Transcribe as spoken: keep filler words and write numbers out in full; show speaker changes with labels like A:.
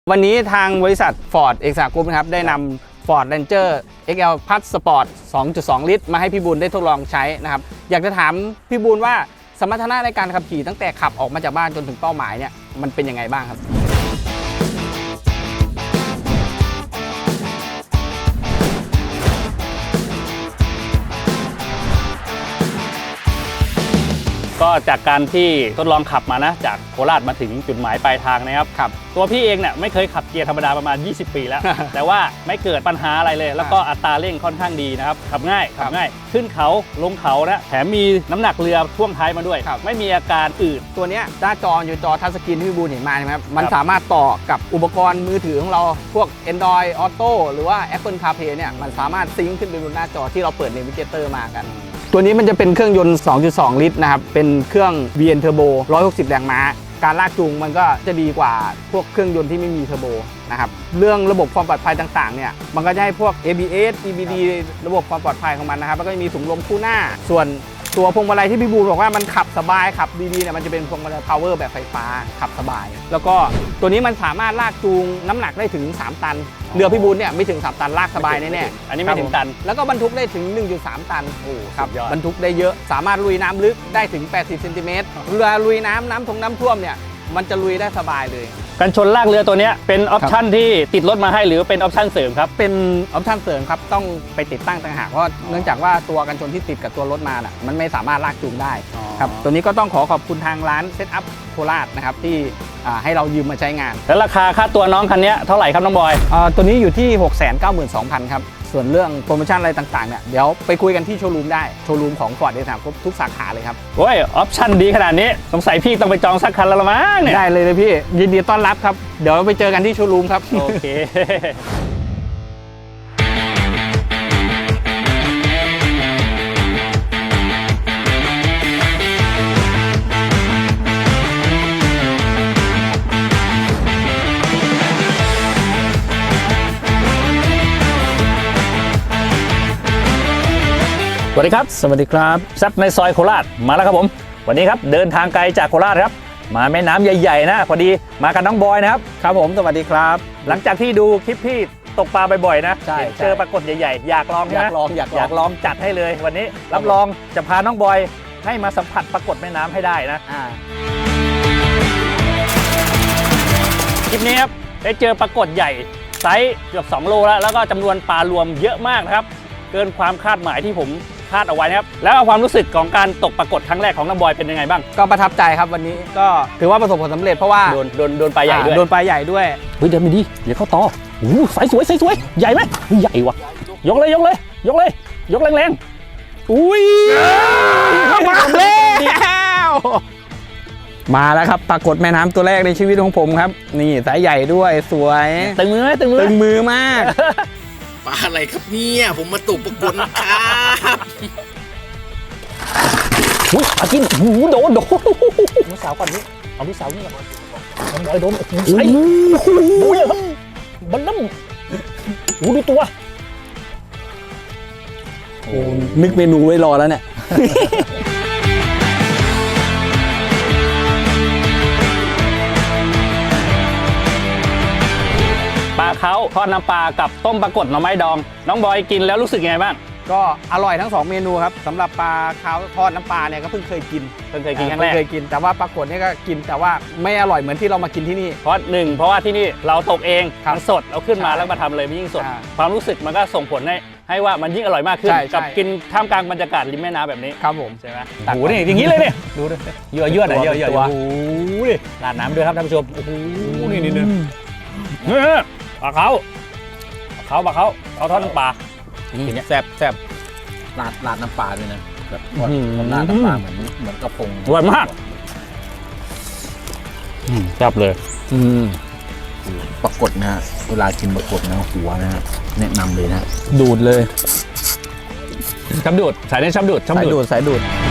A: วันนี้ทางบริษัท Ford Extra Group นะครับได้นำ Ford Ranger เอ็กซ์ แอล Plus Sport สองจุดสอง ลิตรมาให้พี่บูลได้ทดลองใช้นะครับอยากจะถามพี่บูลว่าสมรรถนะในการขับขี่ตั้งแต่ขับออกมาจากบ้านจนถึงเป้าหมายเนี่ยมันเป็นยังไงบ้างครับ
B: ก็จากการที่ทดลองขับมานะจากโคราชมาถึงจุดหมายปลายทางนะครับครับตัวพี่เองเนี่ยไม่เคยขับเกียร์ธรรมดาประมาณยี่สิบปีแล้ว แต่ว่าไม่เกิดปัญหาอะไรเลยแล้วก็อัตราเร่งค่อนข้างดีนะครับขับง่ายขับง่ายขึ้นเขาลงเขานะแถมมีน้ำหนักเรือพ่วงท้ายมาด้วยไม่มีอาการอืด
A: ตัวนี้หน้าจออยู่จอทัชสกรีนที่พี่บูลเห็นมาใช่ไหมครับมันสามารถต่อกับอุปกรณ์มือถือของเราพวก Android Auto หรือว่า Apple CarPlay เนี่ยมันสามารถซิงค์ขึ้นไปบนหน้าจอที่เราเปิด Navigator มากันตัวนี้มันจะเป็นเครื่องยนต์ สองจุดสอง ลิตรนะครับเป็นเครื่อง วี เอ็น Turbo หนึ่งร้อยหกสิบแรงม้าการลากจูงมันก็จะดีกว่าพวกเครื่องยนต์ที่ไม่มีเทอร์โบนะครับเรื่องระบบความปลอดภัยต่างๆเนี่ยมันก็จะให้พวก เอ บี เอส อี บี ดี ระบบความปลอดภัยของมันนะครับแล้วก็จะมีถุงลมคู่หน้าส่วนตัวพวงมาลัยที่พี่บูลบอกว่ามันขับสบายขับดีๆเนี่ยมันจะเป็นพวงมาลัย power แบบไฟฟ้าขับสบายแล้วก็ตัวนี้มันสามารถลากจูงน้ำหนักได้ถึงสามตันเรือพี่บูลเนี่ยไม่ถึงสามตันลากสบายแน่ๆ
B: อันนี้ไม่ถึงตัน
A: แล้วก็บรรทุกได้ถึง หนึ่งจุดสาม ตันโอ้ครับบรรทุกได้เยอะสามารถลุยน้ำลึกได้ถึงแปดสิบเซนติเมตรเรือลุยน้ำน้ำทงน้ำท่วมเนี่ยมันจะลุยได้สบายเลย
B: กันชนลากเรือตัวนี้เป็นออปชั่นที่ติดรถมาให้หรือเป็นออปชั่นเสริมครับ
A: เป็นออปชั่นเสริมครับต้องไปติดตั้งต่างหากเพราะเนื่องจากว่าตัวกันชนที่ติดกับตัวรถมาน่ะมันไม่สามารถลากจูงได้ครับตัวนี้ก็ต้องขอขอบคุณทางร้านเซตอัพโคราชนะครับที่ให้เรายืมมาใช้งาน
B: แล้วราคาค่าตัวน้องคันนี้เท่าไหร่ครับน้องบอย
A: ตัวนี้อยู่ที่ หกแสนเก้าหมื่นสองพัน ครับส่วนเรื่องโปรโมชั่นอะไรต่างๆเนี่ยเดี๋ยวไปคุยกันที่โชว์รูมได้โชว์รูมของ Ford Extra Group ทุกสาขาเลยครับ
B: โอ้ยออปชั่นดีขนาดนี้สงสัยพี่ต้องไปจองสักคันแล้วละมั้งเนี่ย
A: ได้เลยเลยพี่ยินดีต้อนรับครับเดี๋ยวไปเจอกันที่โชว์รูมครับ
B: โอเคสวัสดีครับสวัสดีครับแซ่บในซอยโคราชมาแล้วครับผมวันนี้ครับเดินทางไกลจากโคราชครับมาแม่น้ำใหญ่ๆนะพอดีมากันน้องบอยนะครับ
A: ครับผมสวัสดีครับ
B: หลังจากที่ดูคลิปพี่ตกปลาบ่อยๆนะใช่เจอปรากฏใหญ่ๆอยากลอง
A: อยากลองอยาก
B: อยากลองจัดให้เลยวันนี้รับรองจะพาน้องบอยให้มาสัมผัสปรากฏแม่น้ำให้ได้นะคลิปนี้ครับได้เจอปรากฏใหญ่ไซส์เกือบสองโลแล้วแล้วก็จำนวนปลารวมเยอะมากนะครับเกินความคาดหมายที่ผมคาดเอาไว้นะครับแล้วความรู้สึกของการตกปรากฏครั้งแรกของน้องบอยเป็นยังไงบ้าง
A: ก็ประทับใจครับวันนี้ก็ถือว่าประสบผลสำเร็จเพราะว่า
B: โดนโดนโดนปลาใหญ่ด้วย
A: โดนปลาใหญ่ด้วย
B: เฮ้ยเดินไปดิเดี๋ยวเข้าต่อโอ้สายสวยสายสวยใหญ่ไหมใหญ่ว่ะยกเลยยกเลยยกเลยยกแรงๆอุ้ย
A: มาแล้วมาแล้วครับปรากฏแม่น้ำตัวแรกในชีวิตของผมครับนี่สายใหญ่ด้วยสวย
B: ตึงมือตึงมือ
A: ตึงมือมาก
C: ปลาอะไรครับเนี่ยผมมาตกปรากฏครับ
B: อุ้ยปลากินโอ้โหโดนโดนลูกสาวก่อนนี่เอาลูกสาวนี่ก่อนน้องบอยโดนโอ้โหไอ้โอ้ยครับบัลลัมโอ้ดูตัว
A: โอ้นึกเมนูไว้รอแล้วเนี่ย
B: ปลาเขาทอดน้ำปลากับต้มปรากฏหน่อไม้ดองน้องบอยกินแล้วรู้สึกยังไงบ้าง
A: ก็อร่อยทั้งสองเมนูครับสำหรับปลาขาวทอดน้ำปลาเนี่ยก็เพิ่งเคยกิน
B: เพิ่งเคยกินครั้งแรก
A: เคยกินแต่ว่าปรากฏนี่ก็กินแต่ว่าไม่อร่อยเหมือนที่เรามากินที่นี่
B: เพราะหนึ่งเพราะว่าที่นี่เราตกเองมันสดเราขึ้นมาแล้วมาทำเลยมันยิ่งสดความรู้สึกมันก็ส่งผลให้ให้ว่ามันยิ่งอร่อยมากขึ้นกับกินท่ามกลางบรรยากาศริมแม่น้ำแบบนี้
A: ครับผม
B: ใช่ไหมโอ้โหนี่อย่างนี้เลยเนี่ยดูดิเยื่อเยื่อหน่อยเยื่อเยื่อโอ้โหนี่ราดน้ำด้วยครับท่านผู้ชมโอ้โหนี่นี่นี่ปลาเขาปลาเขาปลาเขาเอาทอดน้ำปลา
A: แซ่บแซ่บ
C: ราดราดน้ำปลาด้วยนะแบบราดน้ำปลาเหมือนเหมือนกระพง
B: อร่อยมากแซ่บเลย
C: ปรากฏนะเวลากินปรากฏนะหัวนะแนะนำเลยนะ
A: ดูดเลย
B: ชับดูดสายนี้ชับดูด
A: สายดูดสายดูด